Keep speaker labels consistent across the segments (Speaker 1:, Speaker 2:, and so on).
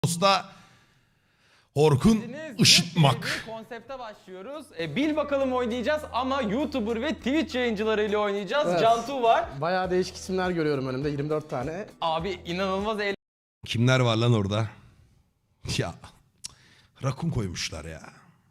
Speaker 1: Dosta Orkun Işıtmak.
Speaker 2: Konsepte başlıyoruz. Bil bakalım oynayacağız ama YouTuber ve Twitch yayıncılarıyla oynayacağız.
Speaker 3: Evet.
Speaker 2: Cantu var.
Speaker 3: Bayağı değişik isimler görüyorum önümde, 24 tane.
Speaker 2: Abi inanılmaz
Speaker 1: Kimler var lan orada? Ya rakun koymuşlar ya.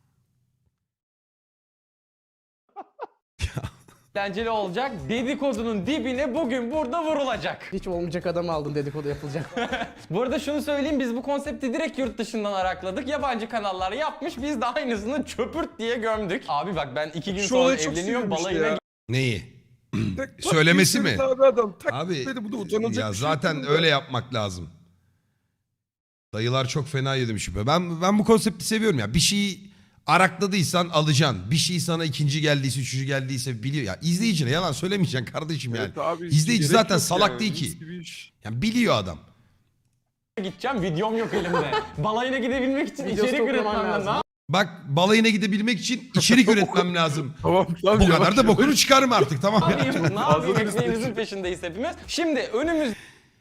Speaker 2: eğlenceli olacak. Dedikodunun dibine bugün burada vurulacak.
Speaker 3: Hiç olmayacak adam aldın, dedikodu yapılacak.
Speaker 2: Bu arada şunu söyleyeyim, biz bu konsepti direkt yurt dışından arakladık. Yabancı kanallar yapmış, biz de aynısını çöpürt diye gömdük. Abi bak ben 2 gün
Speaker 4: Şu
Speaker 2: sonra
Speaker 4: olay çok
Speaker 2: evleniyorum,
Speaker 4: sinirmişti
Speaker 2: balayına
Speaker 4: ya.
Speaker 1: Neyi?
Speaker 4: Tak,
Speaker 1: Söylemesi
Speaker 4: tak,
Speaker 1: mi?
Speaker 4: bir tane adam, tak
Speaker 1: Abi
Speaker 4: dedi, bu da utanılacak
Speaker 1: ya
Speaker 4: bir şey
Speaker 1: zaten
Speaker 4: değil
Speaker 1: öyle
Speaker 4: ya.
Speaker 1: yapmak lazım. Dayılar çok fena yedim şüphe. Ben bu konsepti seviyorum ya. Bir şeyi arakladıysan alacaksın. Bir şey sana ikinci geldiyse, üçüncü geldiyse biliyor. Ya izleyicine yalan söylemeyeceksin kardeşim yani.
Speaker 4: Evet abi,
Speaker 1: İzleyici
Speaker 4: gerek
Speaker 1: zaten
Speaker 4: yok
Speaker 1: salak
Speaker 4: yani,
Speaker 1: değil
Speaker 4: mis
Speaker 1: ki.
Speaker 4: gibi iş.
Speaker 1: Yani biliyor adam.
Speaker 2: gideceğim, videom yok elimde. Balayına gidebilmek için
Speaker 3: Videosu
Speaker 2: içerik
Speaker 3: toplaman
Speaker 2: üretmem
Speaker 3: lazım.
Speaker 2: lazım.
Speaker 1: Bak balayına gidebilmek için içerik üretmem lazım.
Speaker 4: Tamam tamam.
Speaker 1: Bu kadar da bokunu çıkarma artık tamam
Speaker 2: Ne
Speaker 1: ya.
Speaker 2: yapayım? Ne
Speaker 4: Fazla
Speaker 2: yapayım?
Speaker 4: bir
Speaker 2: Ekmeğimizin peşindeyiz hepimiz. Şimdi önümüzde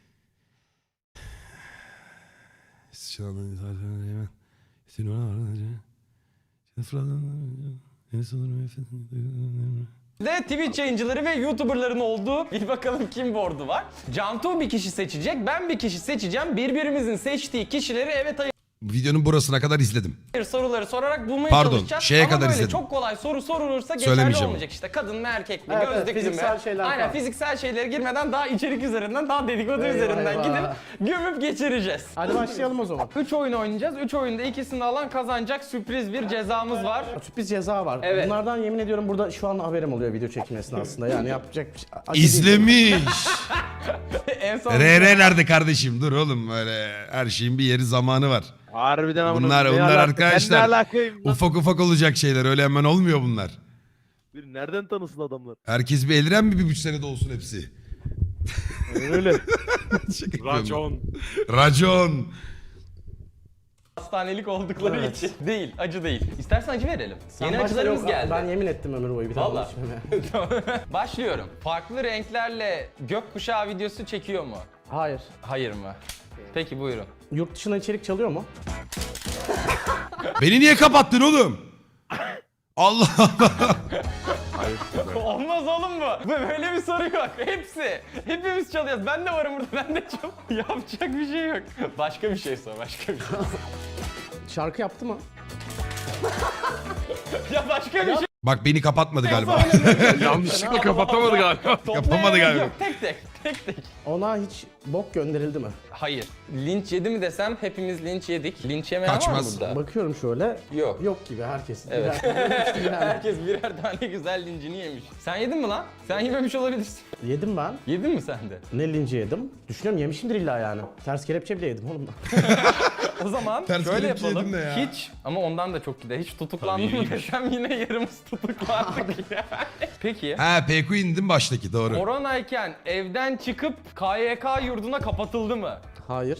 Speaker 2: Twitch yayıncıları ve YouTuber'ların olduğu bir bakalım kim board'u var. Cantu bir kişi seçecek, ben bir kişi seçeceğim. Birbirimizin seçtiği kişileri evet hayır
Speaker 1: Videonun burasına kadar izledim.
Speaker 2: soruları sorarak bulmaya
Speaker 1: Pardon,
Speaker 2: çalışacağız.
Speaker 1: şeye
Speaker 2: Ama
Speaker 1: kadar
Speaker 2: böyle
Speaker 1: izledim.
Speaker 2: çok kolay soru sorulursa geçerli
Speaker 1: Söylemeyeceğim.
Speaker 2: olmayacak. İşte kadın mı erkek mi,
Speaker 3: Evet, evet,
Speaker 2: gözlüklü mü?
Speaker 3: fiziksel şeyler
Speaker 2: Aynen
Speaker 3: falan.
Speaker 2: fiziksel şeylere girmeden daha içerik üzerinden, daha dedikodu
Speaker 3: Eyvah,
Speaker 2: üzerinden
Speaker 3: eyvah.
Speaker 2: gidip gömüp geçireceğiz.
Speaker 3: Hadi başlayalım o zaman.
Speaker 2: 3 oyun oynayacağız. 3 oyunda ikisini alan kazanacak, sürpriz bir cezamız var.
Speaker 3: Sürpriz ceza var.
Speaker 2: Evet.
Speaker 3: Bunlardan yemin ediyorum burada şu an haberim oluyor video çekim esnasında. Yani yapacak bir şey. acı değil.
Speaker 1: İzlemiş.
Speaker 2: En son
Speaker 1: RR nerede kardeşim? Dur oğlum böyle her şeyin bir yeri zamanı var.
Speaker 4: Harbiden amına
Speaker 1: Bunlar
Speaker 4: koyayım, ne
Speaker 1: onlar
Speaker 4: alaka?
Speaker 1: arkadaşlar.
Speaker 4: Ben ne alakayım lan?
Speaker 1: Ufak ufak olacak şeyler öyle hemen olmuyor bunlar.
Speaker 4: Bir nereden tanısın adamlar?
Speaker 1: Herkes bir eliren mi bir buçuk senede olsun hepsi?
Speaker 4: Öyle.
Speaker 1: Şaka yapıyorum.
Speaker 4: Racon.
Speaker 1: Racon.
Speaker 2: hastanelik oldukları
Speaker 3: Evet.
Speaker 2: için. Değil, acı değil. İstersen acı verelim.
Speaker 3: Sen
Speaker 2: Yeni
Speaker 3: başla,
Speaker 2: acılarımız
Speaker 3: yok,
Speaker 2: geldi.
Speaker 3: Ben yemin ettim ömür boyu bir tane
Speaker 2: Vallahi.
Speaker 3: içmeme.
Speaker 2: Başlıyorum. Farklı renklerle gökkuşağı videosu çekiyor mu?
Speaker 3: Hayır.
Speaker 2: Hayır mı? Peki buyurun.
Speaker 3: Yurt dışına içerik çalıyor mu?
Speaker 1: Beni niye kapattın oğlum? Allah Allah.
Speaker 2: Olmaz oğlum bu. Böyle bir soru yok. Hepsi. Hepimiz çalıyoruz. Ben de varım burada. Ben de çal. Yapacak bir şey yok. Başka bir şey sor. Başka bir şey.
Speaker 3: Şarkı yaptı mı?
Speaker 2: Ya başka bir şey.
Speaker 1: Bak beni kapatmadı galiba.
Speaker 4: Yanlışlıkla kapatamadı galiba.
Speaker 1: Yapamadı galiba.
Speaker 2: Yok, tek tek. Tek tek.
Speaker 3: Ona hiç bok gönderildi mi?
Speaker 2: Hayır. Linç yedi mi desem hepimiz linç yedik. Linç yemeyen
Speaker 1: Kaçmaz.
Speaker 2: var mı burada?
Speaker 3: Bakıyorum şöyle.
Speaker 2: Yok.
Speaker 3: Yok gibi herkes.
Speaker 2: Evet.
Speaker 3: Yani.
Speaker 2: Herkes birer tane güzel lincini yemiş. Sen yedin mi lan? Sen yememiş olabilirsin.
Speaker 3: Yedim ben.
Speaker 2: Yedin mi sen de?
Speaker 3: Ne linci yedim? Düşünüyorum yemişimdir illa yani. Ters kelepçe bile yedim oğlum.
Speaker 2: O zaman
Speaker 1: Ters
Speaker 2: şöyle
Speaker 1: kelepçe
Speaker 2: yapalım.
Speaker 1: yedin de ya.
Speaker 2: Hiç ama ondan da çok gider. Hiç tutuklandım mı desem yine yarımız tutuklandık yani. Peki.
Speaker 1: Ha PQ indim baştaki doğru.
Speaker 2: Koronayken evden çıkıp KYK yurduna kapatıldı mı?
Speaker 3: Hayır.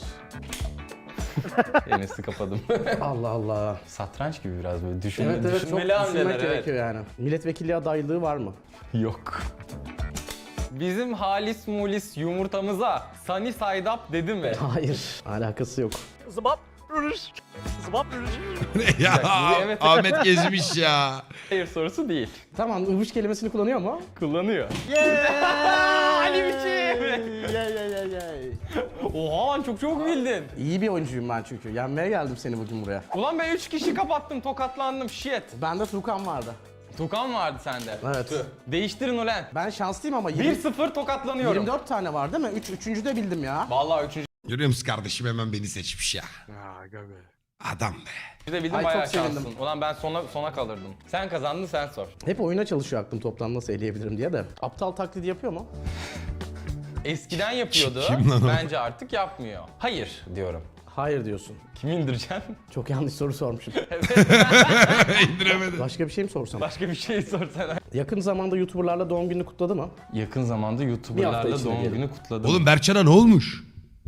Speaker 2: Enes'i kapadım.
Speaker 3: Allah Allah.
Speaker 2: Satranç gibi biraz böyle
Speaker 3: Evet
Speaker 2: düşünmeli
Speaker 3: evet çok düşünmek
Speaker 2: hamleler,
Speaker 3: gerekiyor yani. Milletvekilliği adaylığı var mı?
Speaker 2: Yok. Bizim halis mulis yumurtamıza Sunny Side Up dedi mi?
Speaker 3: Hayır. Alakası yok.
Speaker 4: Zıbap. Rürüş. Zıbap rürüş.
Speaker 1: Ya
Speaker 2: Evet.
Speaker 1: Ahmet gezmiş ya.
Speaker 2: Hayır sorusu değil.
Speaker 3: Tamam ıvış kelimesini kullanıyor mu?
Speaker 2: Kullanıyor. Ali biçim. Oha lan çok çok bildin.
Speaker 3: İyi bir oyuncuyum ben çünkü. Yenmeye geldim seni bugün buraya.
Speaker 2: Ulan ben 3 kişi kapattım, tokatlandım, shit.
Speaker 3: Bende Tukan vardı.
Speaker 2: Tukan vardı sende.
Speaker 3: Evet.
Speaker 2: Tüh. Değiştirin ulan.
Speaker 3: Ben şanslıyım ama
Speaker 2: 1-0 tokatlanıyorum.
Speaker 3: 24 tane var değil mi? Üçüncü de bildim ya.
Speaker 2: Vallahi 3.
Speaker 1: Görüyor musun kardeşim hemen beni seçmiş ya.
Speaker 4: Aga be.
Speaker 1: Adam be.
Speaker 2: de bildim
Speaker 3: Ay,
Speaker 2: bayağı
Speaker 3: çok sevindim.
Speaker 2: şanslısın. Ulan ben sona kalırdım. Sen kazandın, sen sor.
Speaker 3: Hep oyuna çalışıyor aklım toplam nasıl eleyebilirim diye de. Aptal taklidi yapıyor mu?
Speaker 2: Eskiden yapıyordu.
Speaker 1: Kim lan o?
Speaker 2: Bence artık yapmıyor. Hayır diyorum.
Speaker 3: Hayır diyorsun.
Speaker 2: Kim indireceksin?
Speaker 3: Çok yanlış soru sormuşum.
Speaker 1: İndiremedim.
Speaker 3: Başka bir şey mi sorsam?
Speaker 2: Başka bir şey sorsana.
Speaker 3: Yakın zamanda YouTuber'larla doğum gününü kutladı mı?
Speaker 2: Yakın zamanda
Speaker 3: Bir hafta
Speaker 2: YouTuber'larla
Speaker 3: içinde
Speaker 2: doğum
Speaker 3: diyelim.
Speaker 2: günü kutladım.
Speaker 1: Oğlum Berkcan'a ne olmuş?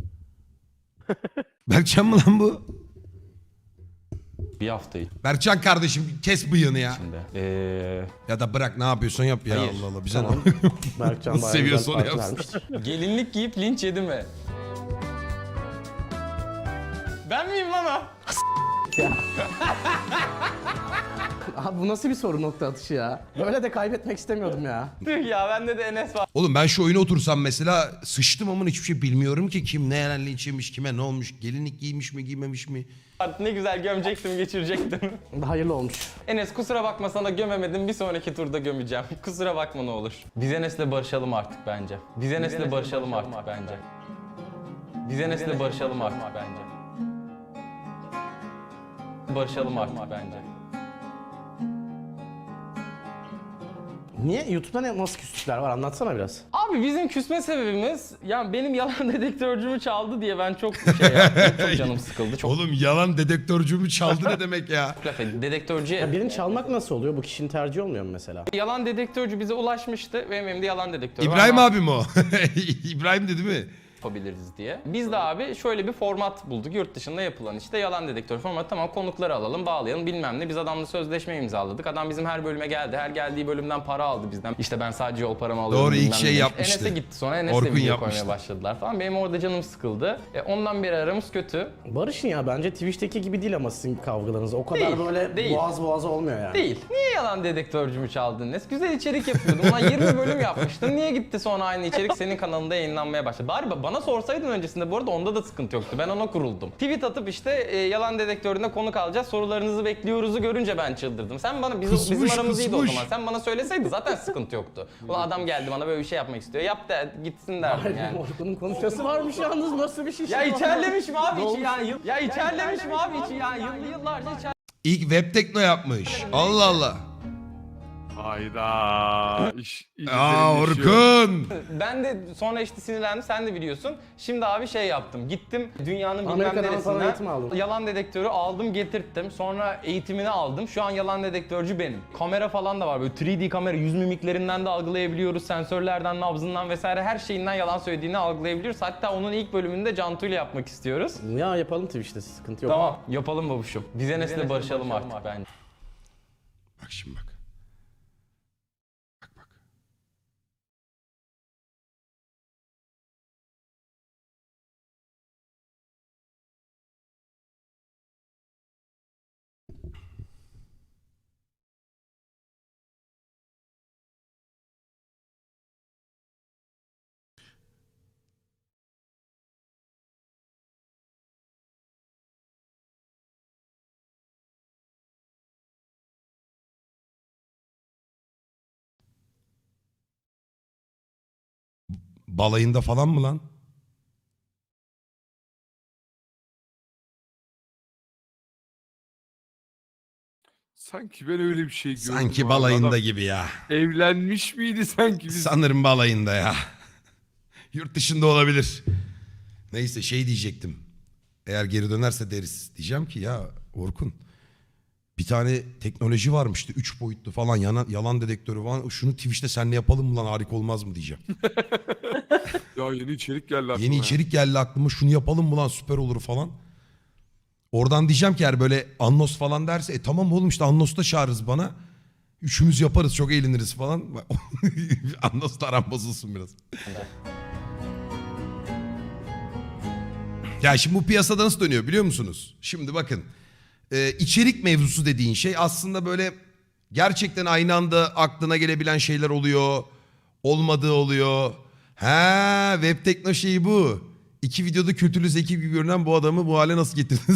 Speaker 1: Berkcan mı lan bu?
Speaker 2: bir hafta
Speaker 1: Berkcan kardeşim kes bıyığını ya.
Speaker 2: içinde.
Speaker 1: Ya da bırak ne yapıyorsan yap ya
Speaker 2: Hayır.
Speaker 1: Allah Allah bize
Speaker 3: Tamam.
Speaker 1: ne?
Speaker 3: Berkcan
Speaker 1: Nasıl
Speaker 3: bayağı
Speaker 1: seviyorsa
Speaker 3: güzel
Speaker 1: onu
Speaker 3: parti
Speaker 1: yapsın.
Speaker 3: vermiş.
Speaker 2: Gelinlik giyip linç yedi mi? Ben miyim lan o?
Speaker 3: Ya. Abi bu nasıl bir soru nokta atışı ya? Böyle de kaybetmek istemiyordum ya.
Speaker 2: Tüh ya, bende de Enes var.
Speaker 1: Oğlum ben şu oyuna otursam mesela sıçtım ama hiçbir şey bilmiyorum ki. Kim ne yerenli içirmiş, kime ne olmuş, gelinlik giymiş mi giymemiş mi?
Speaker 2: Ne güzel gömecektim, geçirecektim.
Speaker 3: Hayırlı olmuş.
Speaker 2: Enes kusura bakma, sana gömemedim, bir sonraki turda gömeceğim. Kusura bakma ne olur. Biz Enes'le barışalım artık bence. Biz Enes'le barışalım artık bence. Biz Enes'le barışalım artık bence. Barışalım artık bence.
Speaker 3: Niye? YouTube'da nasıl küslükler var? Anlatsana biraz.
Speaker 2: Abi bizim küsme sebebimiz, yani benim yalan dedektörcümü çaldı diye ben çok şey yaptım, çok canım sıkıldı. Çok
Speaker 1: Oğlum yalan dedektörcümü çaldı ne demek ya?
Speaker 2: laf ettim. Dedektörcüye...
Speaker 3: Ya birini çalmak nasıl oluyor? Bu kişinin tercihi olmuyor mu mesela?
Speaker 2: Yalan dedektörcü bize ulaşmıştı. Benim elimde yalan dedektörü var.
Speaker 1: İbrahim
Speaker 2: Ne
Speaker 1: abi mi o? İbrahim de değil mi?
Speaker 2: yapabiliriz diye. Biz de abi şöyle bir format bulduk. Yurt dışında yapılan işte yalan dedektör formatı. Tamam, konukları alalım, bağlayalım bilmem ne. Biz adamla sözleşme imzaladık. Adam bizim her bölüme geldi. Her geldiği bölümden para aldı bizden. İşte ben sadece yol paramı alıyorum.
Speaker 1: Doğru, ilk
Speaker 2: bilmem
Speaker 1: şey
Speaker 2: ne.
Speaker 1: yapmıştı.
Speaker 2: Enes'e gitti sonra. Enes'le
Speaker 1: Orkun
Speaker 2: video
Speaker 1: yapmıştı.
Speaker 2: koymaya başladılar falan. Benim orada canım sıkıldı. Ondan beri aramız kötü.
Speaker 3: Barış'ın ya bence Twitch'teki gibi değil ama sizin kavgalarınız. O kadar
Speaker 2: Değil,
Speaker 3: böyle
Speaker 2: değil.
Speaker 3: boğaz boğaza olmuyor yani.
Speaker 2: Değil. Niye yalan dedektörcümü çaldın Enes? Güzel içerik yapıyordum. Ulan 20 bölüm yapmıştın. Niye gitti sonra aynı içerik senin kanalında yayınlanmaya başladı? Bari bana sorsaydın öncesinde, bu arada onda da sıkıntı yoktu. Ben ona kuruldum. Tweet atıp işte yalan dedektöründe konuk alacağız, sorularınızı bekliyoruzu görünce ben çıldırdım. Sen bana, bizim aramız iyiydi o zaman. Sen bana söyleseydin zaten sıkıntı yoktu. Ulan adam geldi bana böyle bir şey yapmak istiyor. Yap da gitsin derdim
Speaker 3: Hayır,
Speaker 2: yani.
Speaker 3: Orkun'un konuşması varmış yalnız, nasıl bir şey?
Speaker 2: Ya içerlemişim abi içi
Speaker 3: Dolmuş.
Speaker 2: yani. Ya içerlemişim abi içi yani. Yıllarca içer...
Speaker 1: İlk web tekno yapmış. Allah Allah.
Speaker 4: Hayda. İyice
Speaker 1: Aa
Speaker 4: derinleşiyor.
Speaker 1: Orkun.
Speaker 2: Ben de sonra işte sinirlendim, sen de biliyorsun. Şimdi abi şey yaptım, gittim dünyanın bilmem
Speaker 3: Amerika'dan falan eğitim
Speaker 2: neresinden
Speaker 3: aldın.
Speaker 2: yalan dedektörü aldım, getirttim. Sonra eğitimini aldım. Şu an yalan dedektörcü benim. Kamera falan da var, böyle 3D kamera, yüz mimiklerinden de algılayabiliyoruz. Sensörlerden, nabzından vesaire her şeyinden yalan söylediğini algılayabiliyoruz. Hatta onun ilk bölümünde Cantu ile yapmak istiyoruz.
Speaker 3: Ya yapalım Twitch'te, sıkıntı yok.
Speaker 2: Tamam, yapalım babuşum. Biz Enes'le barışalım artık bence.
Speaker 1: Bak şimdi bak. Bak bak. Balayında falan mı lan?
Speaker 4: Sanki ben öyle bir şey gördüm.
Speaker 1: Sanki
Speaker 4: abi.
Speaker 1: balayında
Speaker 4: Adam
Speaker 1: gibi ya.
Speaker 4: evlenmiş miydi sanki biz?
Speaker 1: Sanırım balayında ya. Yurt dışında olabilir. Neyse şey diyecektim. Eğer geri dönerse deriz. Diyeceğim ki ya Orkun, bir tane teknoloji varmıştı. 3 boyutlu falan yalan dedektörü falan. Şunu Twitch'te seninle yapalım mı lan, harika olmaz mı diyeceğim.
Speaker 4: Ya yeni içerik geldi aklıma.
Speaker 1: Yeni
Speaker 4: ya.
Speaker 1: içerik geldi aklıma, şunu yapalım mı lan, süper olur falan. Oradan diyeceğim ki eğer böyle Annos falan derse tamam oğlum işte Annos'ta çağırırız bana. Üçümüz yaparız, çok eğleniriz falan. Annos'la aram bozulsun biraz. Ya şimdi bu piyasada nasıl dönüyor biliyor musunuz? Şimdi bakın. İçerik mevzusu dediğin şey aslında böyle gerçekten aynı anda aklına gelebilen şeyler oluyor. Olmadığı oluyor. Ha, web tekno şeyi bu. 2 videoda kötülü zeki gibi görünen bu adamı bu hale nasıl getirdiniz?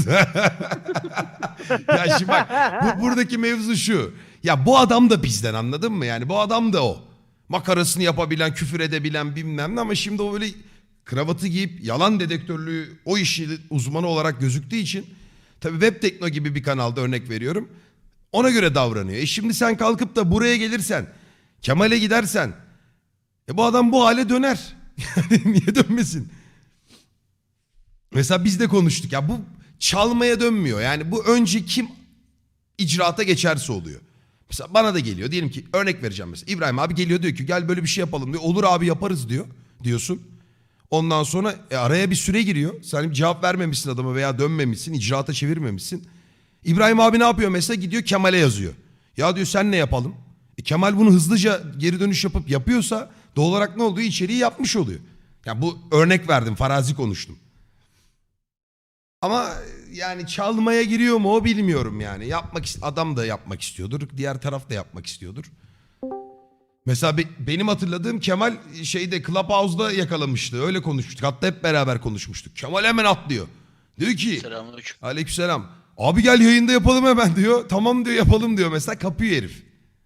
Speaker 1: Ya şimdi bak, buradaki mevzu şu. Ya bu adam da bizden, anladın mı? Yani bu adam da o. Makarasını yapabilen, küfür edebilen bilmem ne, ama şimdi o böyle kravatı giyip yalan dedektörlüğü o işi uzmanı olarak gözüktüğü için tabii web tekno gibi bir kanalda örnek veriyorum. Ona göre davranıyor. Şimdi sen kalkıp da buraya gelirsen, Kemal'e gidersen bu adam bu hale döner. Yani niye dönmesin? Mesela biz de konuştuk ya, bu çalmaya dönmüyor. Yani bu önce kim icraata geçerse oluyor. Mesela bana da geliyor, diyelim ki örnek vereceğim mesela. İbrahim abi geliyor diyor ki gel böyle bir şey yapalım diyor. Olur abi yaparız diyorsun. Ondan sonra araya bir süre giriyor. Sen cevap vermemişsin adama veya dönmemişsin, icraata çevirmemişsin. İbrahim abi ne yapıyor mesela, gidiyor Kemal'e yazıyor. Ya diyor sen ne yapalım? Kemal bunu hızlıca geri dönüş yapıp yapıyorsa doğal olarak ne oluyor? İçeriği yapmış oluyor. Yani bu örnek verdim, farazi konuştum. Ama yani çalmaya giriyor mu o bilmiyorum yani. Adam da yapmak istiyordur. Diğer taraf da yapmak istiyordur. Mesela benim hatırladığım Kemal şeyde Clubhouse'da yakalamıştı. Öyle konuşmuştuk. Hatta hep beraber konuşmuştuk. Kemal hemen atlıyor. Diyor ki
Speaker 5: Selamünaleyküm.
Speaker 1: aleykümselam. Abi gel yayında yapalım hemen diyor. Tamam diyor yapalım diyor mesela. Kapıyor herif.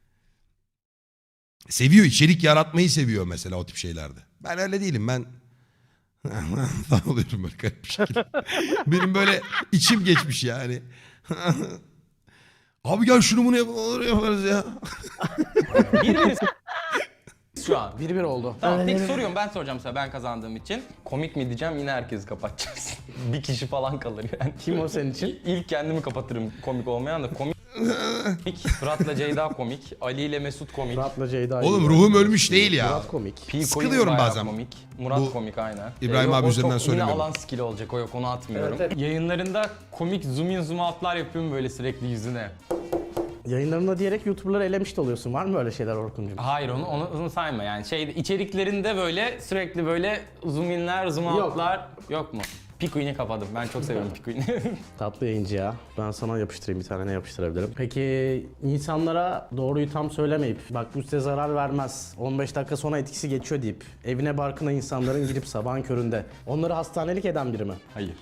Speaker 1: Seviyor, içerik yaratmayı seviyor mesela o tip şeylerde. Ben öyle değilim, ben oluyorum böyle garip bir şekilde. Benim böyle içim geçmiş yani. Abi gel şunu bunu yapalım, olur yaparız ya.
Speaker 2: Bir şu an.
Speaker 3: 1-1 oldu.
Speaker 2: Tamam tek soruyorum, ben soracağım sana, ben kazandığım için. Komik mi diyeceğim, yine herkesi kapatacaksın. Bir kişi falan kalır yani.
Speaker 3: Kim o senin için?
Speaker 2: İlk kendimi kapatırım, komik olmayan da komik. Fırat'la Ceyda komik, Ali ile Mesut komik.
Speaker 3: Murat'la Ceyda.
Speaker 1: Oğlum ruhum ölmüş değil ya.
Speaker 3: Murat komik.
Speaker 2: P
Speaker 1: Sıkılıyorum
Speaker 2: bayağı
Speaker 1: bazen.
Speaker 2: Komik. Murat
Speaker 1: Bu
Speaker 2: komik aynen.
Speaker 1: İbrahim
Speaker 2: Yok,
Speaker 1: abi
Speaker 2: o
Speaker 1: üzerinden
Speaker 2: çok
Speaker 1: söylemiyorum.
Speaker 2: Yine alan skill olacak, o yok, onu atmıyorum.
Speaker 3: Evet, evet.
Speaker 2: Yayınlarında komik zoom in zoom out'lar yapıyorum böyle sürekli yüzüne.
Speaker 3: Yayınlarında diyerek YouTuber'ları elemiş de oluyorsun. Var mı öyle şeyler Orkun'cum?
Speaker 2: Hayır, onu sayma yani, içeriklerinde böyle sürekli böyle zoom inler zoom
Speaker 3: Yok.
Speaker 2: out'lar yok mu? Pikuin'i kapadım. Ben çok seviyorum Pikuin'i.
Speaker 3: Tatlı yayıncı ya. Ben sana yapıştırayım, bir tane ne yapıştırabilirim. Peki insanlara doğruyu tam söylemeyip bak bu size zarar vermez, 15 dakika sonra etkisi geçiyor deyip evine barkına insanların girip sabahın köründe onları hastanelik eden biri mi?
Speaker 2: Hayır.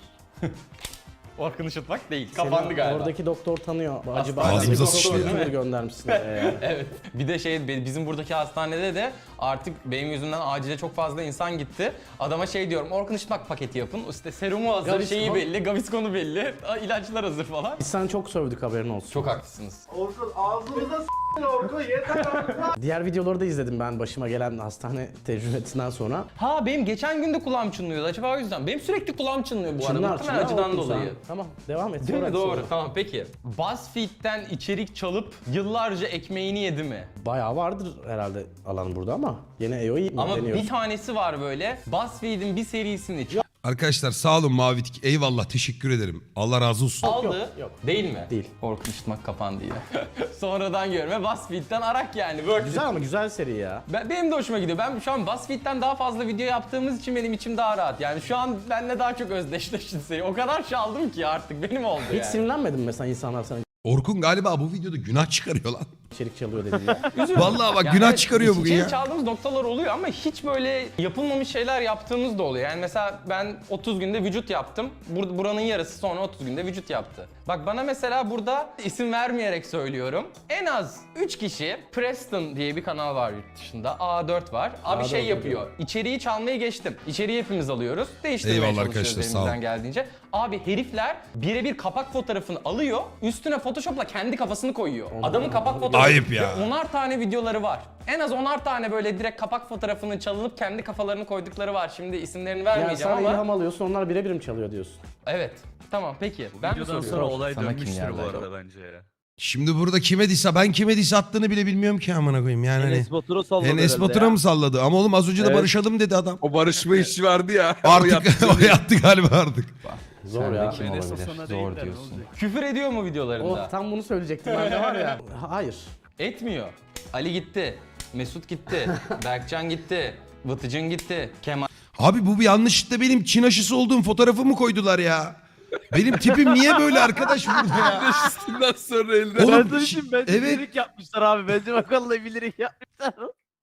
Speaker 2: Orkun Işıtmak değil. Kapandı
Speaker 3: Seni
Speaker 2: galiba.
Speaker 3: Oradaki doktor tanıyor. Acaba
Speaker 1: Ağzımıza
Speaker 3: doktor
Speaker 1: sıçtı ya.
Speaker 3: YouTuber göndermişsin.
Speaker 2: Evet. Bir de bizim buradaki hastanede de artık benim yüzümden acile çok fazla insan gitti. Adama şey diyorum, Orkun Işıtmak paketi yapın. İşte serumu hazır,
Speaker 3: Gaviscon.
Speaker 2: şeyi belli, Gaviscon'u belli, ilaçlar hazır falan.
Speaker 3: Biz sana çok sövdük, haberin olsun.
Speaker 2: Çok haklısınız.
Speaker 6: Orkun ağzımıza s***in Orkun yeter artık.
Speaker 3: Diğer videoları da izledim ben başıma gelen hastane tecrübesinden sonra.
Speaker 2: Ha, benim geçen gün de kulağım çınlıyordu, acaba o yüzden. Benim sürekli kulağım çınlıyor bu arada. Muhtemelen acıdan
Speaker 3: Orkun
Speaker 2: dolayı.
Speaker 3: sen. Tamam, devam et.
Speaker 2: Değil mi?
Speaker 3: Sonra
Speaker 2: Doğru.
Speaker 3: sonra.
Speaker 2: Tamam, peki. BuzzFeed'den içerik çalıp yıllarca ekmeğini yedi mi?
Speaker 3: Bayağı vardır herhalde alan burada ama yine EO'yu
Speaker 2: Ama
Speaker 3: deniyor.
Speaker 2: bir tanesi var böyle. BuzzFeed'in bir serisini
Speaker 1: Arkadaşlar sağ olun Mavi Tik. Eyvallah, teşekkür ederim. Allah razı olsun.
Speaker 2: aldı.
Speaker 3: yok.
Speaker 2: Değil mi?
Speaker 3: Değil.
Speaker 2: Orkun Işıtmak kapandı yine. Sonradan görme, BuzzFeed'den arak yani. Word.
Speaker 3: Güzel ama güzel seri ya.
Speaker 2: Benim de hoşuma gidiyor. Ben şu an BuzzFeed'den daha fazla video yaptığımız için benim içim daha rahat. Yani şu an benimle daha çok özdeşleşti seri. O kadar çaldım ki artık benim oldu
Speaker 3: Hiç
Speaker 2: yani.
Speaker 3: sinirlenmedin mi mesela insanlar sana
Speaker 1: Orkun galiba bu videoda günah çıkarıyor lan.
Speaker 3: içerik çalıyor dediğinde?
Speaker 1: Vallahi bak
Speaker 2: Yani
Speaker 1: günah
Speaker 2: evet,
Speaker 1: çıkarıyor bugün
Speaker 2: içerik
Speaker 1: ya.
Speaker 2: çaldığımız noktalar oluyor ama hiç böyle yapılmamış şeyler yaptığımız da oluyor. Yani mesela ben 30 günde vücut yaptım. Buranın yarısı sonra 30 günde vücut yaptı. Bak bana mesela burada isim vermeyerek söylüyorum. En az 3 kişi, Preston diye bir kanal var yurt dışında. A4 var. Abi
Speaker 3: A4
Speaker 2: şey yapıyor. İçeriği çalmayı geçtim. İçeriği hepimiz alıyoruz. Değiştirmeye
Speaker 1: Eyvallah
Speaker 2: çalışıyoruz
Speaker 1: arkadaşlar, sağ
Speaker 2: elimizden
Speaker 1: olun.
Speaker 2: geldiğince. Abi herifler birebir kapak fotoğrafını alıyor. Üstüne Photoshop'la kendi kafasını koyuyor. Adamın kapak fotoğrafı.
Speaker 1: Ayıp ya.
Speaker 2: Ve 10'ar tane videoları var. En az 10'ar tane böyle direkt kapak fotoğrafını çalınıp kendi kafalarını koydukları var. Şimdi isimlerini
Speaker 3: Yani
Speaker 2: vermeyeceğim
Speaker 3: sen
Speaker 2: ama.
Speaker 3: ilham alıyorsun, onlar birebir mi çalıyor diyorsun?
Speaker 2: Evet. Tamam peki. Ben mi
Speaker 5: Videodan
Speaker 2: soruyorum?
Speaker 5: sonra olay
Speaker 2: Sana kim
Speaker 5: dönmüştür bu
Speaker 2: geldi?
Speaker 5: arada bence ya.
Speaker 1: Şimdi burada kime disse, ben kime disse attığını bile bilmiyorum ki amına koyayım yani. Hani.
Speaker 6: Enes Batur'a salladı
Speaker 1: Enes
Speaker 6: herhalde
Speaker 1: Batur'a
Speaker 6: ya.
Speaker 1: mı salladı? Ama oğlum az önce de
Speaker 6: Evet.
Speaker 1: barışalım dedi adam.
Speaker 4: O barışma işi vardı ya.
Speaker 1: Artık o yattı galiba artık.
Speaker 3: Zor
Speaker 2: Sen de
Speaker 3: ya.
Speaker 2: kim
Speaker 5: Enes
Speaker 2: olabilir?
Speaker 5: Batur'a
Speaker 2: Zor
Speaker 5: değiller, ne
Speaker 2: diyorsun.
Speaker 5: olacak?
Speaker 2: Küfür ediyor mu videolarında?
Speaker 3: Oh, tam bunu söyleyecektim ben de var ya. Hayır.
Speaker 2: Etmiyor. Ali gitti. Mesut gitti. Berkcan gitti. Vıtıcın gitti. Kemal
Speaker 1: Abi bu bir yanlışlıkla benim Çin aşısı olduğum fotoğrafımı koydular ya. Benim tipim niye böyle arkadaş burada ya?
Speaker 4: Üstünden sonra elde.
Speaker 1: Oğlum,
Speaker 6: Ben sana diyeyim, bence
Speaker 1: evet.
Speaker 6: bilerek yapmışlar abi. Bence bakalım bilerek yapmışlar.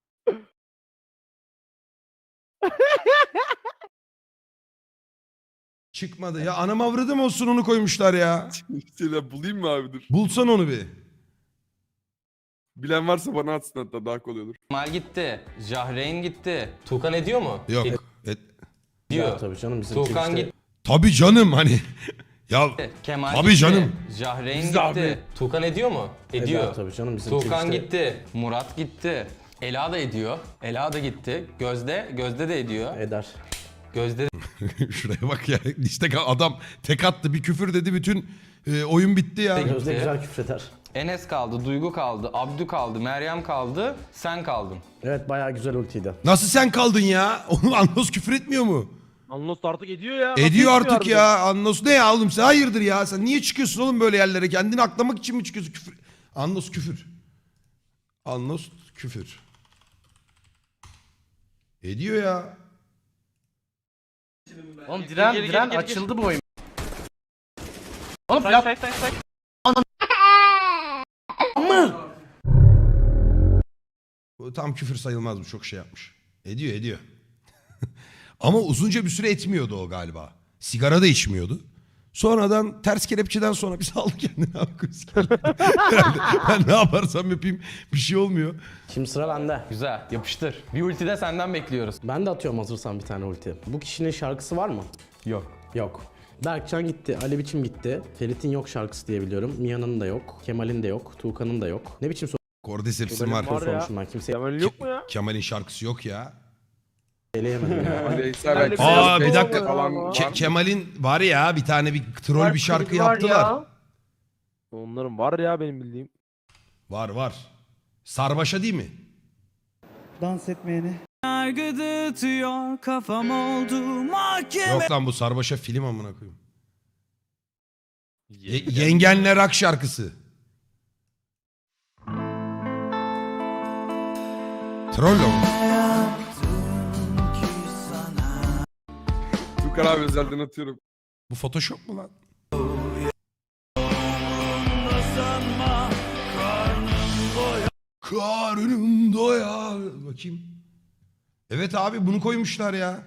Speaker 1: Çıkmadı ya, anam avradım olsun onu koymuşlar ya.
Speaker 4: İşte bulayım mı abi dur.
Speaker 1: Bulsan onu bir.
Speaker 4: Bilen varsa bana atsın, hatta daha kolay olur.
Speaker 2: gitti. Jahreyn gitti. Tuğkan ediyor mu?
Speaker 1: Yok.
Speaker 2: Ediyor.
Speaker 3: Ya, tabii canım bizim
Speaker 2: Tuğkan
Speaker 3: Twitch'te-
Speaker 2: gitti.
Speaker 1: Tabii canım hani. Ya
Speaker 2: Kemal
Speaker 1: Tabii
Speaker 2: gitti.
Speaker 1: canım.
Speaker 2: Jahreyn
Speaker 4: Biz
Speaker 2: gitti.
Speaker 4: de abi.
Speaker 2: Tuğkan ediyor mu? Ediyor.
Speaker 3: Eder tabii canım bizim
Speaker 2: Tuğkan
Speaker 3: Twitch'te.
Speaker 2: gitti. Murat gitti. Ela da ediyor. Ela da gitti. Gözde de ediyor.
Speaker 3: Eder.
Speaker 2: Gözde
Speaker 1: şuraya bak ya. İşte adam tek attı, bir küfür dedi, bütün oyun bitti ya.
Speaker 2: Peki.
Speaker 3: Gözde güzel küfreder.
Speaker 2: Enes kaldı, Duygu kaldı, Abdü kaldı, Meryem kaldı, sen kaldın.
Speaker 3: Evet, bayağı güzel ultiydi.
Speaker 1: Nasıl sen kaldın ya? Oğlum Anlos küfür etmiyor mu?
Speaker 6: Anlos artık ediyor ya. Nasıl
Speaker 1: Ediyor
Speaker 6: etmiyor
Speaker 1: artık
Speaker 6: harbiden?
Speaker 1: ya. Anlos ne ya oğlum sen? Hayırdır ya? Sen niye çıkıyorsun oğlum böyle yerlere? Kendini aklamak için mi çıkıyorsun? Küfür. Anlos küfür. Anlos küfür. Ediyor ya.
Speaker 6: Oğlum diren açıldı bu oyun.
Speaker 3: Oğlum
Speaker 2: Say.
Speaker 1: Bu tam küfür sayılmaz, bu çok şey yapmış. Ediyor. Ama uzunca bir süre etmiyordu o galiba. Sigara da içmiyordu. Sonradan ters kelepçeden sonra bir saldı kendini abi. Ben ne yaparsam yapayım bir şey olmuyor.
Speaker 3: Şimdi sıra bende.
Speaker 2: Güzel, yapıştır. Bir ulti de senden bekliyoruz.
Speaker 3: Ben de atıyorum hazırsan bir tane ulti. Bu kişinin şarkısı var mı?
Speaker 2: Yok.
Speaker 3: Yok. Berkcan gitti, Ali Biçim gitti. Ferit'in yok şarkısı diye biliyorum. Mia'nın da yok, Kemal'in de yok, Tuğkan'ın da yok. Ne biçim
Speaker 1: Cordyceps'im var.
Speaker 4: Var ya.
Speaker 3: sormuşum ben kimseye
Speaker 4: Kemal yok mu ya?
Speaker 1: Kemal'in şarkısı yok ya.
Speaker 3: eleyemedim ya.
Speaker 4: Aleyhisselam belki
Speaker 1: Aa,
Speaker 4: biraz
Speaker 1: bir dakika.
Speaker 4: falan
Speaker 1: Kemal'in var ya bir tane bir troll bir şarkı yaptılar.
Speaker 5: Onların var ya benim bildiğim.
Speaker 1: Var. Sarbaşa değil mi?
Speaker 7: Dans etmeyeni.
Speaker 8: Yargı tutuyor kafam oldu mahkeme.
Speaker 1: Yok lan, bu Sarbaşa film amına koyayım. Yengenle Rock şarkısı. Troll mu?
Speaker 4: Tukan abi özelden atıyorum.
Speaker 1: Bu Photoshop mu lan? Karnım doyar. Bakayım. Evet abi, bunu koymuşlar ya.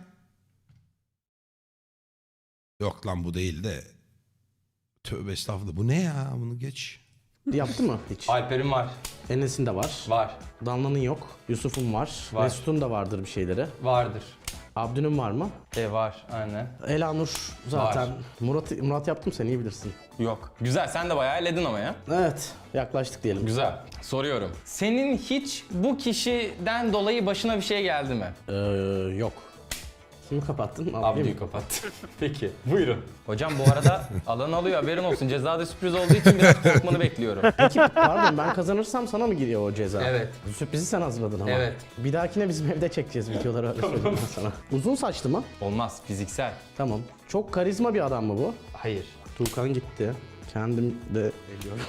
Speaker 1: Yok lan, bu değil de. Tövbe estağfurullah. Bu ne ya? Bunu geç.
Speaker 3: Yaptı mı hiç?
Speaker 2: Alper'in var.
Speaker 3: Enes'in de var.
Speaker 2: Var.
Speaker 3: Danla'nın yok. Yusuf'un var.
Speaker 2: Var.
Speaker 3: Mesut'un da vardır bir şeyleri.
Speaker 2: Vardır.
Speaker 3: Abdü'nün var mı?
Speaker 2: Var, aynen.
Speaker 3: Elanur zaten.
Speaker 2: Var.
Speaker 3: Murat yaptım, sen iyi bilirsin.
Speaker 2: Yok. Güzel, sen de bayağı elledin ama ya.
Speaker 3: Evet, yaklaştık diyelim.
Speaker 2: Güzel. Soruyorum. Senin hiç bu kişiden dolayı başına bir şey geldi mi?
Speaker 3: Yok. Kimi kapattın?
Speaker 2: Abdü'yü kapat. Peki, buyurun. Hocam bu arada alan alıyor, haberin olsun. Cezada sürpriz olduğu için biraz korkmanı bekliyorum.
Speaker 3: Peki pardon, ben kazanırsam sana mı giriyor o ceza?
Speaker 2: Evet.
Speaker 3: Sürprizi sen hazırladın ama.
Speaker 2: Evet.
Speaker 3: Bir dahakine bizim evde çekeceğiz videoları, öyle söyleyeyim ben sana. Uzun saçlı mı?
Speaker 2: Olmaz, fiziksel.
Speaker 3: Tamam. Çok karizma bir adam mı bu?
Speaker 2: Hayır.
Speaker 3: Tuğkan gitti. Kendim de eliyorum.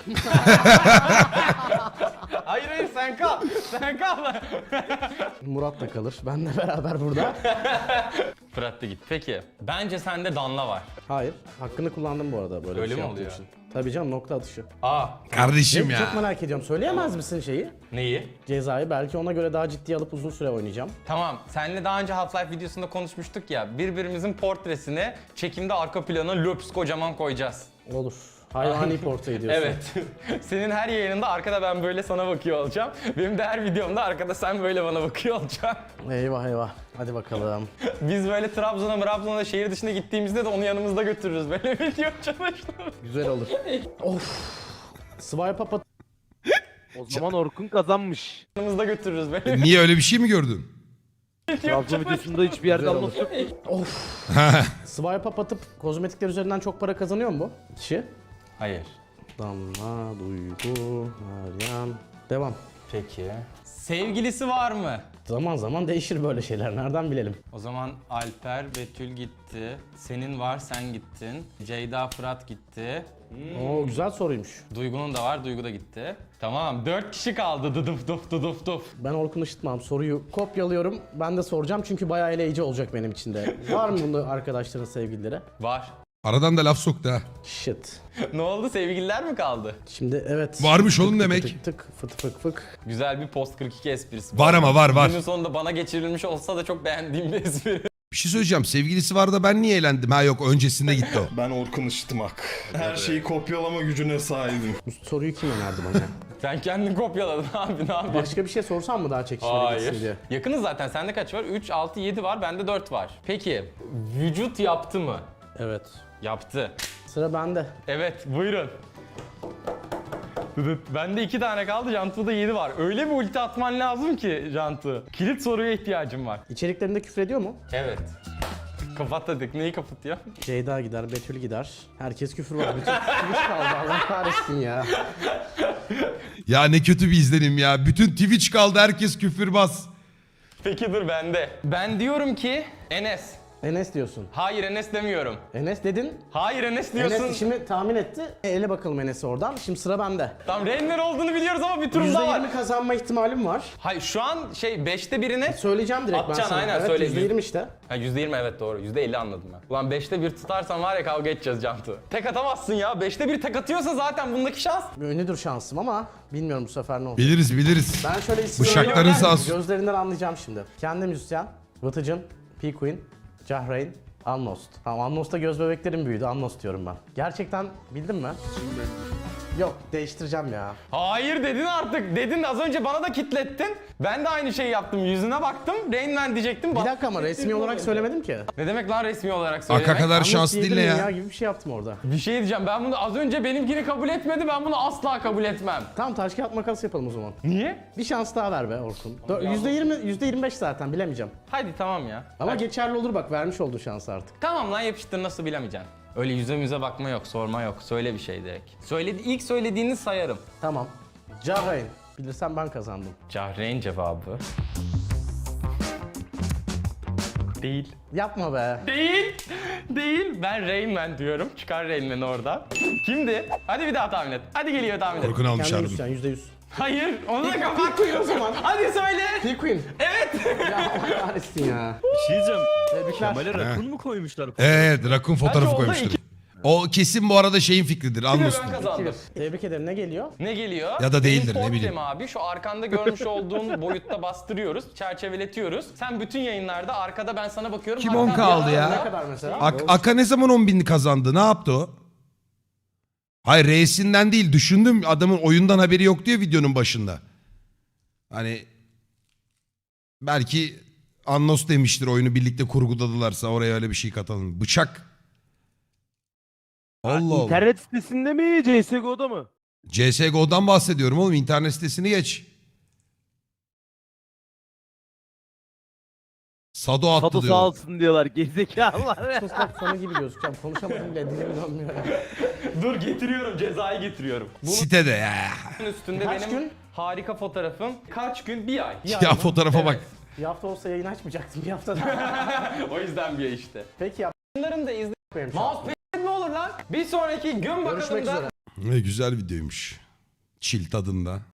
Speaker 2: Hayır, sen kal. Sen kal.
Speaker 3: Murat da kalır. Benle beraber burada.
Speaker 2: Fırat da git. Peki, bence sende Danla var.
Speaker 3: Hayır. Hakkını kullandım bu arada böyle
Speaker 2: Öyle
Speaker 3: bir şey
Speaker 2: mi
Speaker 3: yaptığım
Speaker 2: oluyor?
Speaker 3: için. Tabii canım, nokta atışı.
Speaker 1: Kardeşim
Speaker 3: Çok
Speaker 1: ya.
Speaker 3: merak ediyorum. Söyleyemez misin şeyi?
Speaker 2: Neyi?
Speaker 3: Cezayı. Belki ona göre daha ciddiye alıp uzun süre oynayacağım.
Speaker 2: Tamam, seninle daha önce Half-Life videosunda konuşmuştuk ya. Birbirimizin portresini çekimde arka plana löps kocaman koyacağız.
Speaker 3: Olur. Hayvani portre ediyorsun.
Speaker 2: Evet. Senin her yayınında arkada ben böyle sana bakıyor olacağım. Benim de her videomda arkada sen böyle bana bakıyor olacaksın.
Speaker 3: Eyvah eyvah. Hadi bakalım.
Speaker 2: Biz böyle Trabzon'a şehir dışına gittiğimizde de onu yanımızda götürürüz. Böyle video çalıştım.
Speaker 3: Güzel olur. Of. Swipe up at.
Speaker 5: O zaman Orkun kazanmış.
Speaker 2: Yanımızda götürürüz böyle.
Speaker 1: Niye, öyle bir şey mi gördün?
Speaker 5: Trabzon videosunda hiçbir yerde
Speaker 3: Güzel
Speaker 5: alması yok.
Speaker 3: Of. Swipe up atıp kozmetikler üzerinden çok para kazanıyor mu bu kişi?
Speaker 2: Hayır.
Speaker 3: Damla, Duygu, Meryem. Devam.
Speaker 2: Peki. Sevgilisi var mı?
Speaker 3: Zaman zaman değişir böyle şeyler. Nereden bilelim?
Speaker 2: O zaman Alper, Betül gitti. Senin var, sen gittin. Ceyda, Fırat gitti.
Speaker 3: Oo, güzel soruymuş.
Speaker 2: Duygu'nun da var, Duygu da gitti. Tamam, 4 kişi kaldı. Dıdıf duf dıdıf duf.
Speaker 3: Ben Orkun Işıtmam. Soruyu kopyalıyorum. Ben de soracağım çünkü bayağı eleyici olacak benim için de. Var mı bunda arkadaşların sevgilileri?
Speaker 2: Var.
Speaker 1: Aradan da laf soktu ha.
Speaker 3: Shit.
Speaker 2: Ne oldu? Sevgililer mi kaldı?
Speaker 3: Şimdi evet.
Speaker 1: Varmış oğlum
Speaker 3: Tık
Speaker 1: demek.
Speaker 3: Tık tık fıt fık fık.
Speaker 2: Güzel bir post 42 esprisi.
Speaker 1: Var ama var.
Speaker 2: Günün sonunda bana geçirilmiş olsa da çok beğendiğim bir espri.
Speaker 1: Bir şey söyleyeceğim. Sevgilisi var da ben niye eğlendim? Ha yok, öncesinde gitti o.
Speaker 9: Ben Orkun Işıtmak. Her şeyi kopyalama gücüne sahibim.
Speaker 3: Bu soruyu kim önerdi bana?
Speaker 2: Sen kendin kopyaladın abi, ne yapıyorsun?
Speaker 3: Başka bir şey sorsam mı daha çekişmeli gitsin diye?
Speaker 2: Yakınız zaten. Sende kaç var? 3, 6, 7 var. Bende 4 var. Peki, vücut yaptı mı?
Speaker 3: Evet.
Speaker 2: Yaptı.
Speaker 3: Sıra bende.
Speaker 2: Evet, buyurun. Bende 2 tane kaldı, Cantu'da 7 var. Öyle bir ulti atman lazım ki Cantu. Kilit soruya ihtiyacım var.
Speaker 3: İçeriklerinde küfür ediyor mu?
Speaker 2: Evet. Kapat dedik. Neyi kapatıyor?
Speaker 3: Ceyda gider, Betül gider. Herkes küfür var. Bütün Twitch kaldı. Allah kahretsin ya.
Speaker 1: Ya ne kötü bir izlenim ya. Bütün Twitch kaldı, herkes küfürbaz.
Speaker 2: Peki dur bende. Ben diyorum ki Enes.
Speaker 3: Enes diyorsun.
Speaker 2: Hayır Enes demiyorum.
Speaker 3: Enes dedin.
Speaker 2: Hayır Enes diyorsun.
Speaker 3: Enes şimdi tahmin etti. Ele bakalım Enes'e oradan. Şimdi sıra bende.
Speaker 2: Tamam Reynler olduğunu biliyoruz ama bir turumda var.
Speaker 3: %20 kazanma ihtimalim var.
Speaker 2: Hayır şu an 5'te birine...
Speaker 3: Söyleyeceğim direkt ben
Speaker 2: Atacaksın,
Speaker 3: sana.
Speaker 2: aynen,
Speaker 3: Evet,
Speaker 2: söyle.
Speaker 3: %20 işte.
Speaker 2: Ha %20 evet doğru. %50 anladım ben. Ulan 5'te 1 tutarsan var ya kavga edeceğiz Cantu. Tek atamazsın ya. 5'te 1 tek atıyorsa zaten bundaki şans.
Speaker 3: Ünlüdür şansım ama bilmiyorum bu sefer ne olacak.
Speaker 1: Biliriz.
Speaker 3: Ben şöyle isim
Speaker 1: Bıçakların
Speaker 3: söyleyeyim.
Speaker 1: sağ olsun.
Speaker 3: Gözlerinden anlayacağım şimdi. Kendi müzisyen, Vıtıcın, P-Queen, Cahreyn, Annost. Tamam Annost'ta göz bebeklerim büyüdü. Annost diyorum ben. Gerçekten bildin mi? Yok değiştireceğim ya.
Speaker 2: Hayır dedin artık. Dedin az önce bana da kitlettin. Ben de aynı şeyi yaptım. Yüzüne baktım. Reynmen diyecektim.
Speaker 3: Bir dakika ama resmi olarak söylemedim ki.
Speaker 2: Ne demek lan resmi olarak söylemek?
Speaker 1: Aka kadar
Speaker 3: Annost
Speaker 1: şanslı değil ne
Speaker 3: diyebilir miyim
Speaker 1: ya?
Speaker 3: Gibi bir şey yaptım orada.
Speaker 2: Bir şey diyeceğim. Ben bunu az önce benimkini kabul etmedi. Ben bunu asla kabul etmem.
Speaker 3: Tamam taş kağıt makas yapalım o zaman.
Speaker 2: Niye?
Speaker 3: Bir şans daha ver be Orkun. %20, %25 zaten bilemeyeceğim.
Speaker 2: Hadi tamam ya.
Speaker 3: Ama geçerli olur bak vermiş olduğu şans artık.
Speaker 2: Tamam lan yapıştır nasıl bilemeyeceksin. Öyle yüze müze bakma yok, sorma yok. Söyle bir şey direkt. İlk söylediğini sayarım.
Speaker 3: Tamam. Cahreyn. Bilirsem ben kazandım.
Speaker 2: Cahreyn cevabı. Değil.
Speaker 3: Yapma be.
Speaker 2: Değil. Değil. Ben Rain Man diyorum. Çıkar Rain Man'i oradan. Kimdi? Hadi bir daha tahmin et. Hadi geliyor tahmin et.
Speaker 1: Orkun almış
Speaker 3: Kendi
Speaker 1: harbiden.
Speaker 3: müzisyen %100.
Speaker 2: Hayır. Onu da kapat. o zaman. Hadi söyle.
Speaker 3: P-Queen.
Speaker 2: Evet.
Speaker 3: Ya Allah kahretsin ya.
Speaker 10: Bir şey diyeceğim.
Speaker 3: Tebrikler.
Speaker 10: Kemal'e rakun mu koymuşlar?
Speaker 1: Evet rakun fotoğrafı
Speaker 2: oldu?
Speaker 1: koymuştur. O kesin bu arada şeyin fikridir.
Speaker 2: Ben
Speaker 1: Anlos'un.
Speaker 2: kazandım.
Speaker 3: Tebrik ederim. Ne geliyor?
Speaker 2: Ne geliyor?
Speaker 1: Ya da değildir,
Speaker 2: Benim
Speaker 1: ne bileyim.
Speaker 2: portrem abi şu arkanda görmüş olduğun boyutta bastırıyoruz, çerçeveletiyoruz. Sen bütün yayınlarda arkada ben sana bakıyorum.
Speaker 1: Kim
Speaker 2: Hakan
Speaker 1: 10 kaldı
Speaker 2: bir
Speaker 1: ya?
Speaker 2: anda-
Speaker 3: Ne kadar mesela?
Speaker 1: Aka ne zaman 10.000'li kazandı? Ne yaptı o? Hayır R'sinden değil. Düşündüm adamın oyundan haberi yok diyor videonun başında. Hani belki Annos demiştir oyunu birlikte kurguladılarsa oraya öyle bir şey katalım. Bıçak. Allah Allah.
Speaker 5: İnternet sitesinde mi CSGO'da mı?
Speaker 1: CSGO'dan bahsediyorum oğlum. İnternet sitesini geç. Sado attı
Speaker 5: Sado
Speaker 1: diyor.
Speaker 5: sağ olsun diyorlar gerizekalılar.
Speaker 3: Sus bak sana gibi gözükeceğim. Konuşamadım bile dilim dönmüyor ya.
Speaker 2: Dur getiriyorum, cezayı getiriyorum. Bunun
Speaker 1: Sitede ya.
Speaker 2: üstünde
Speaker 3: Kaç
Speaker 2: benim
Speaker 3: gün?
Speaker 2: harika fotoğrafım. Kaç gün? Bir ay.
Speaker 1: Ya fotoğrafa bak.
Speaker 3: Bir hafta olsa yayın açmayacaktım. Bir hafta daha.
Speaker 2: O yüzden bir ay işte.
Speaker 3: Peki ya.
Speaker 2: Bunların da izle.
Speaker 3: Benim şansım.
Speaker 2: Mousepad ne olur lan? Bir sonraki gün bakalım
Speaker 3: Görüşmek
Speaker 2: da
Speaker 3: üzere.
Speaker 1: Ne güzel videoymuş. Chill tadında.